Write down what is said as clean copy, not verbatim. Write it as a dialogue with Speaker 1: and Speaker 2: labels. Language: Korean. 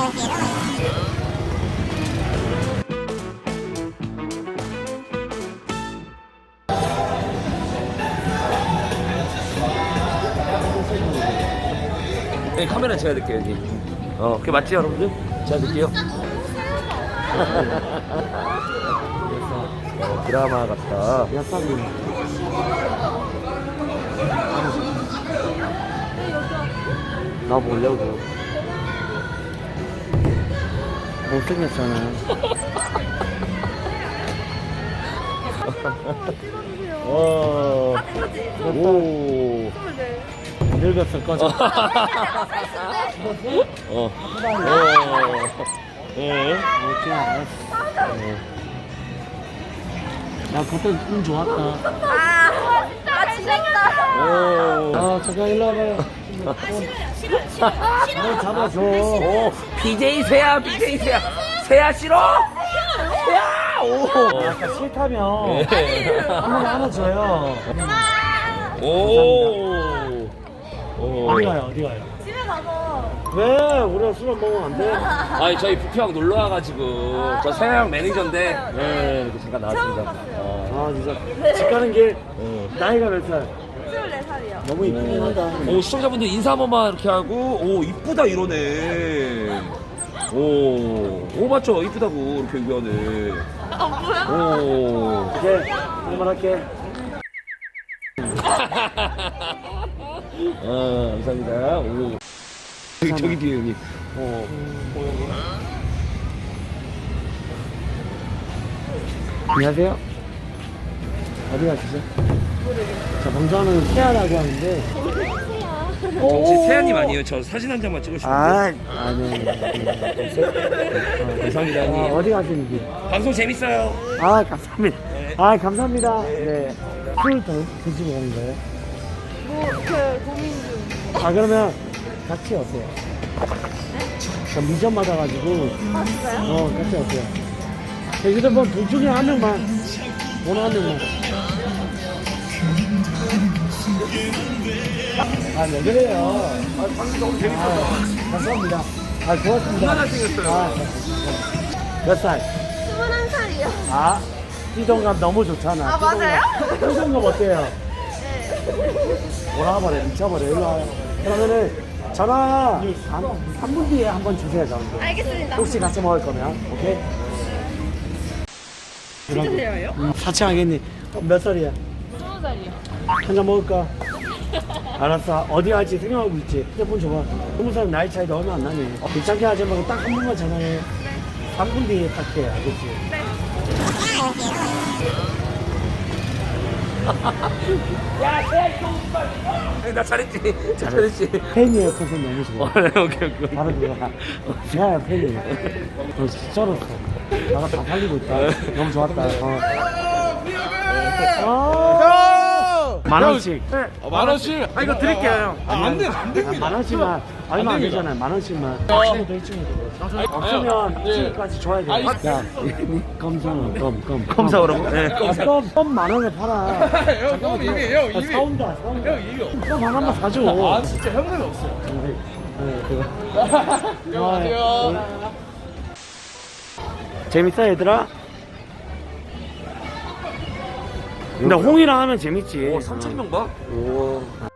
Speaker 1: 여기 카메라 제가 드릴게요 여기. 그게 맞지 여러분들? 제가 드릴게요. 드라마 같다.
Speaker 2: 야사님. 나 보려고. 못생겼잖아. 오. 늙었을 거죠. 그냥 알았어. 야, 그때 운 좋았다.
Speaker 3: 진짜.
Speaker 2: 잠깐 일로 와봐요. 뭘 잡아줘.
Speaker 1: BJ 세야 BJ 세야 세야 싫어? 세야! 오!
Speaker 2: 아까 싫다며. 한번 안아줘요.
Speaker 1: 오!
Speaker 2: 어디 가요? 어디 가요?
Speaker 3: 집에 가서.
Speaker 2: 왜? 우리가 술을 먹으면 안 돼?
Speaker 1: 아니 저희 부평 놀러 와가지고 저 세양 매니저인데 이렇게 잠깐 나왔습니다.
Speaker 2: 진짜. 집 가는 길. 나이가 몇 살?
Speaker 3: 24살이요.
Speaker 2: 너무 이쁘긴 하다.
Speaker 1: 오 시청자분들 인사 한 번만 이렇게 하고 오 이쁘다 이러네. 오 맞죠 이쁘다고 이렇게 얘기하네. 오.
Speaker 2: 이제 그만할게.
Speaker 1: 감사합니다. 오. 저기 뒤에 여기.
Speaker 2: 안녕하세요. 어디 가시죠? 자, 먼저는 세아라고 하는데.
Speaker 1: 혹시 세아님 아니에요? 저 사진 한 장만 찍으시면 돼요?
Speaker 2: 아니.
Speaker 1: 감사합니다 형님.
Speaker 2: 어디 가시는지.
Speaker 1: 방송 재밌어요.
Speaker 2: 감사합니다. 감사합니다. 네. 술 더 드시고 가는 거예요?
Speaker 3: 고민 중.
Speaker 2: 그러면 같이 오세요. 저 미션 받아가지고.
Speaker 3: 진짜요?
Speaker 2: 같이 오세요. 휴대폰 둘 중에 한 명만. 오늘 한 명만. 왜 그래요?
Speaker 1: 방송 너무 재밌어서.
Speaker 2: 감사합니다. 고맙습니다.
Speaker 1: 얼마나 생겼어요?
Speaker 2: 몇 살?
Speaker 3: 21살이요.
Speaker 2: 띠동감 너무 좋잖아.
Speaker 3: 맞아요?
Speaker 2: 띠동감 어때요?
Speaker 3: 네.
Speaker 2: 몰아버려, 미쳐버려. 일로 와요. 그러면은 전화 3분 뒤에 한번 주세요, 저한테.
Speaker 3: 알겠습니다.
Speaker 2: 혹시 같이 먹을 거면, 오케이?
Speaker 3: 진짜 세요요?
Speaker 2: 사칭하겠니? 몇 살이야?
Speaker 3: 20살이요.
Speaker 2: 한 잔 먹을까? 알았어. 어디 갈지 생각하고 있지. 휴대폰 줘봐. 20살 나이 차이도 얼마 안 나네. 귀찮게 하지 말고 딱 한 번만 전화해. 3분 뒤에 딱 해. 알겠지?
Speaker 3: 네.
Speaker 1: 나 잘했지. 잘했지.
Speaker 2: 팬이에요. 팬은 너무 좋아.
Speaker 1: 오케이.
Speaker 2: 바로 들어가. 야, 팬이에요. 너 쩔었어. 나가 다 살리고 있다. 너무 좋았다. 만원씩.
Speaker 1: 만원씩.
Speaker 4: 이거 드릴게요 형.
Speaker 2: 안 됩니다. 만원씩만. 얼마 안 되잖아요. 만원씩만. 친구도 해주면 없으면 친구까지 줘야 돼. 야, 껌사는 껌.
Speaker 1: 검사오라고? 네.
Speaker 2: 껌 만원에 팔아.
Speaker 4: 형 이미 형 이미
Speaker 2: 사온다.
Speaker 4: 형 이미.
Speaker 2: 껌 하나만 사줘.
Speaker 4: 진짜 현금이 없어요.
Speaker 2: 안녕하세요. 재밌어 얘들아? 근데 홍이랑 하면 재밌지.
Speaker 1: 3,000명 봐?
Speaker 2: 오.